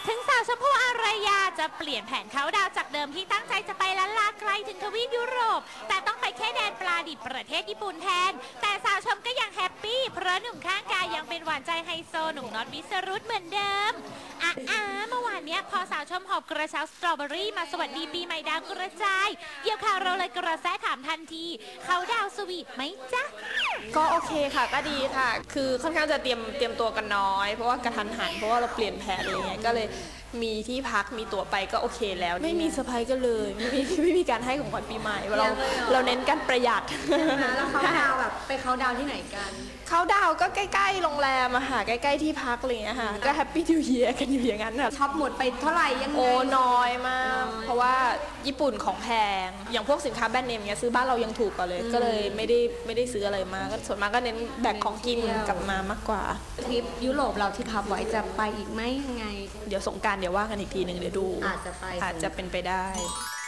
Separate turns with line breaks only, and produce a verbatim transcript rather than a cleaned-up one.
ถึงสาวชมพู่อารยาจะเปลี่ยนแผนเขาดาวจากเดิมที่ตั้งใจจะไปล้านลาไกลถึงทวีปยุโรปแต่ต้องไปแค่แดนปลาดิบประเทศญี่ปุ่นแทนแต่สาวชมก็ยังแฮปปี้เพราะหนุ่มข้างกายยังเป็นหวานใจไฮโซหนุ่มน็อตวิสรุตเหมือนเดิมอ่ะอ่ะเมื่อวานเนี้ยพอสาวชมหอบกระเช้าสตรอเบอรี่มาสวัสดีปีใหม่ดาวกระจายเกี่ยวข่าวเราเลยกระแสถามทันทีเขาดาวสวีทไหมจ๊ะ
ก็โอเคค่ะก็ดีค่ะคือค่อนข้างจะเตรียมเตรียมตัวกันน้อยเพราะว่ากระทันหันเพราะว่าเราเปลี่ยนแผนอะไรเงี้ยก็เลยมีที่พักมีตั๋วไปก็โอเคแล้วไม่มีเซอร์ไพรส์กันเลยไม่มีไม่มีการให้ของขวัญปีใหม่เราเราเน้นการประหยัด
แล้วเขาดาวแบบไปเขาดาวที่ไหนกัน
เขาดาวก็ใกล้ๆโรงแรมอะค่ะใกล้ๆที่พักอะไรเงี้ยค่ะก็แฮปปี้นิวเยียร์กันอยู่อย่างนั้นค่ะ
ช็อปหมดไปเท่าไหร่ยังไง
โอ้น้อยมากเพราะว่าญี่ปุ่นของแพงอย่างพวกสินค้าแบรนด์เนมเงี้ยซื้อบ้านเรายังถูกกว่าเลยก็เลยไม่ได้ไม่ได้ซื้ออะไรมาก็ส่วนมากก็เน้นแบกของกินกลับมามากกว่า
ทริปยุโรปเราที่พับไว้จะไปอีกไหมยังไง
เดี๋ยวสงกรานต์เดี๋ยวว่ากันอีกทีหนึ่งเดี๋ยวดู
อาจจะไป
อาจจะเป็นไปได้